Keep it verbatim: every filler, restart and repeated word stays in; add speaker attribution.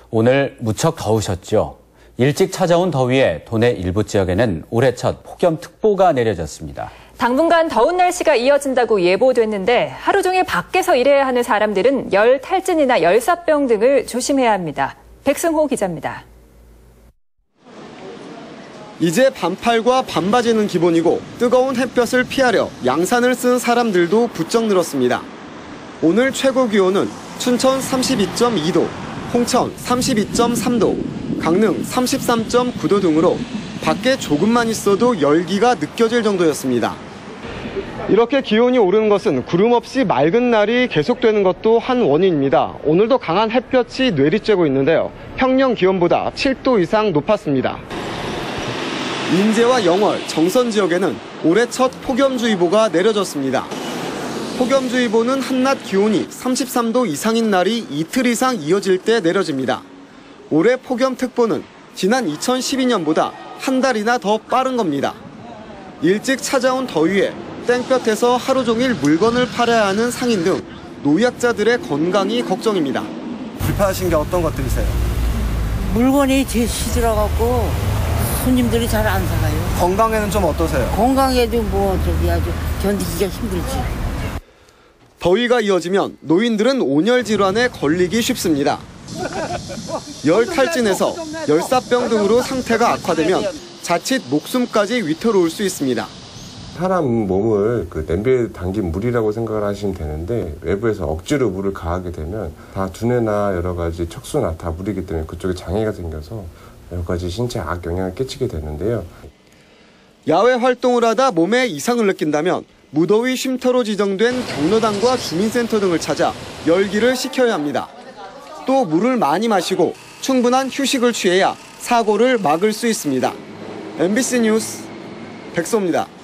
Speaker 1: 오늘 무척 더우셨죠? 일찍 찾아온 더위에 도내 일부 지역에는 올해 첫 폭염특보가 내려졌습니다. 당분간 더운 날씨가 이어진다고 예보됐는데 하루 종일 밖에서 일해야 하는 사람들은 열 탈진이나 열사병 등을 조심해야 합니다. 백승호 기자입니다.
Speaker 2: 이제 반팔과 반바지는 기본이고 뜨거운 햇볕을 피하려 양산을 쓴 사람들도 부쩍 늘었습니다. 오늘 최고 기온은 춘천 삼십이 점 이 도, 홍천 삼십이 점 삼 도, 강릉 삼십삼 점 구 도 등으로 밖에 조금만 있어도 열기가 느껴질 정도였습니다. 이렇게 기온이 오르는 것은 구름 없이 맑은 날이 계속되는 것도 한 원인입니다. 오늘도 강한 햇볕이 내리쬐고 있는데요. 평년 기온보다 칠 도 이상 높았습니다. 인제와 영월, 정선 지역에는 올해 첫 폭염주의보가 내려졌습니다. 폭염주의보는 한낮 기온이 삼십삼 도 이상인 날이 이틀 이상 이어질 때 내려집니다. 올해 폭염특보는 지난 이천십이 년보다 한 달이나 더 빠른 겁니다. 일찍 찾아온 더위에 땡볕에서 하루 종일 물건을 팔아야 하는 상인 등 노약자들의 건강이 걱정입니다. 불편하신 게 어떤 것들이세요?
Speaker 3: 물건이 제일 시들어갖고 손님들이 잘 안 사가요.
Speaker 2: 건강에는 좀 어떠세요?
Speaker 3: 건강에도 뭐 저기 아주 견디기가 힘들지.
Speaker 2: 더위가 이어지면 노인들은 온열 질환에 걸리기 쉽습니다. 열 탈진에서 열사병 등으로 상태가 악화되면 자칫 목숨까지 위태로울 수 있습니다.
Speaker 4: 사람 몸을 그 냄비에 담긴 물이라고 생각을 하시면 되는데 외부에서 억지로 물을 가하게 되면 다 두뇌나 여러 가지 척수나 다 물이기 때문에 그쪽에 장애가 생겨서 여러 가지 신체에 악영향을 끼치게 되는데요.
Speaker 2: 야외 활동을 하다 몸에 이상을 느낀다면 무더위 쉼터로 지정된 경로당과 주민센터 등을 찾아 열기를 식혀야 합니다. 또 물을 많이 마시고 충분한 휴식을 취해야 사고를 막을 수 있습니다. 엠비씨 뉴스 백소입니다.